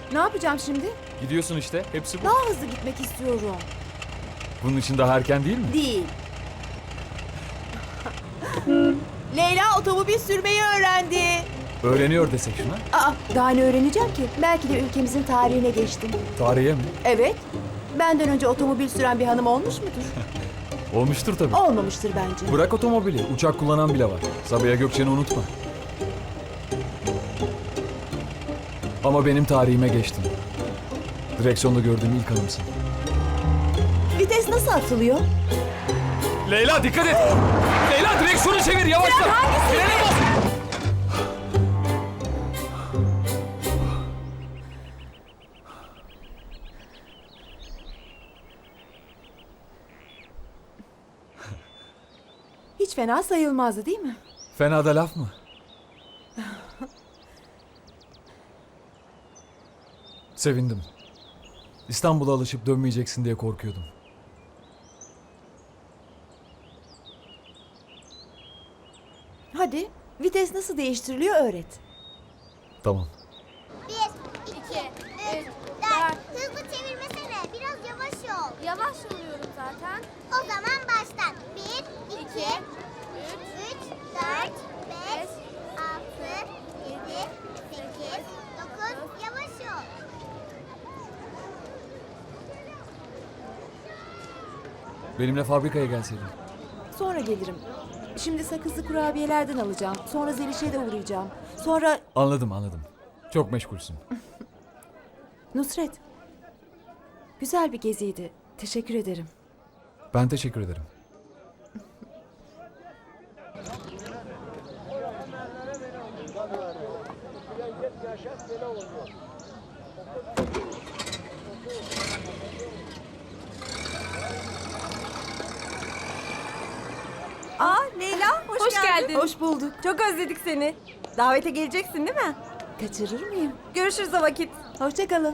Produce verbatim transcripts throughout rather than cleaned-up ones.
Ne yapacağım şimdi? Gidiyorsun işte. Hepsi bu. Daha hızlı gitmek istiyorum. Bunun için daha erken değil mi? Değil. Leyla otomobil sürmeyi öğrendi. Öğreniyor desek şuna. Aa, daha ne öğreneceğim ki? Belki de ülkemizin tarihine geçtim. Tarihe mi? Evet. Benden önce otomobil süren bir hanım olmuş mudur? Olmuştur tabii. Olmamıştır bence. Bırak otomobili. Uçak kullanan bile var. Sabiha Gökçen'i unutma. Ama benim tarihime geçtin. Direksiyonda gördüğüm ilk hanımsın. Vites nasıl atılıyor? Leyla dikkat et! Leyla direksiyonu çevir yavaşla! Fren hangisi? Frene bas! Hiç fena sayılmazdı değil mi? Fena da laf mı? Sevindim. İstanbul'a alışıp dönmeyeceksin diye korkuyordum. Hadi vites nasıl değiştiriliyor öğret. Tamam. Bir, iki, üç, dört. Hızlı çevirmesene. Biraz yavaş ol. Yavaş oluyorum zaten. O zaman baştan. Bir, iki, üç, dört, beş, altı, yedi, sekiz, dokuz. Yavaş ol. Benimle fabrikaya gelseydin. Sonra gelirim. Şimdi sakızlı kurabiyelerden alacağım. Sonra Zeliş'e de uğrayacağım. Sonra Anladım anladım. Çok meşgulsün. Nusret. Güzel bir geziydi. Teşekkür ederim. Ben teşekkür ederim. Aa Leyla, hoş, Hoş geldin. Hoş bulduk. Çok özledik seni. Davete geleceksin değil mi? Kaçırır mıyım? Görüşürüz o vakit. Hoşça kalın.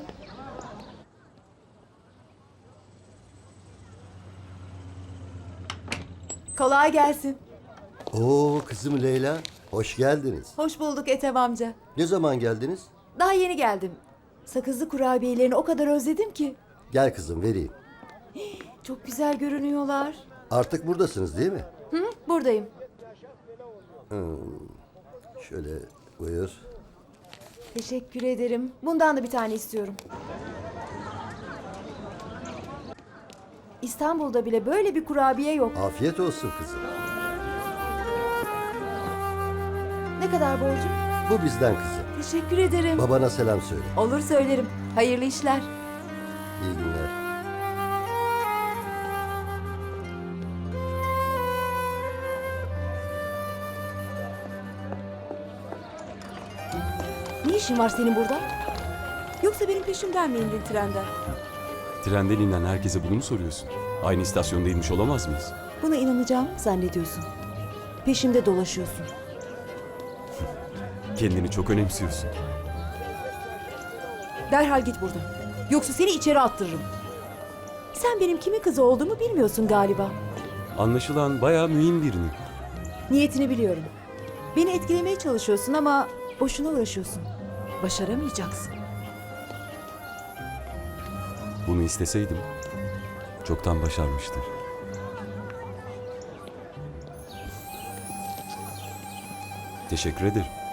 Kolay gelsin. Oo kızım Leyla, hoş geldiniz. Hoş bulduk Ethem amca. Ne zaman geldiniz? Daha yeni geldim. Sakızlı kurabiyelerini o kadar özledim ki. Gel kızım vereyim. Çok güzel görünüyorlar. Artık buradasınız değil mi? Hı, buradayım. Şöyle buyur. Teşekkür ederim. Bundan da bir tane istiyorum. İstanbul'da bile böyle bir kurabiye yok. Afiyet olsun kızım. Ne kadar borcum? Bu bizden kızım. Teşekkür ederim. Babana selam söyle. Olur söylerim. Hayırlı işler. İyi günler. Ne işin var senin burada? Yoksa benim peşimden mi indin trenden? Trenden inen herkese bunu mu soruyorsun? Aynı istasyonda inmiş olamaz mıyız? Buna inanacağım zannediyorsun. Peşimde dolaşıyorsun. Kendini çok önemsiyorsun. Derhal git buradan. Yoksa seni içeri attırırım. Sen benim kimin kızı olduğumu bilmiyorsun galiba. Anlaşılan bayağı mühim birini. Niyetini biliyorum. Beni etkilemeye çalışıyorsun ama boşuna uğraşıyorsun. Başaramayacaksın. Bunu isteseydim çoktan başarmıştım. Teşekkür ederim.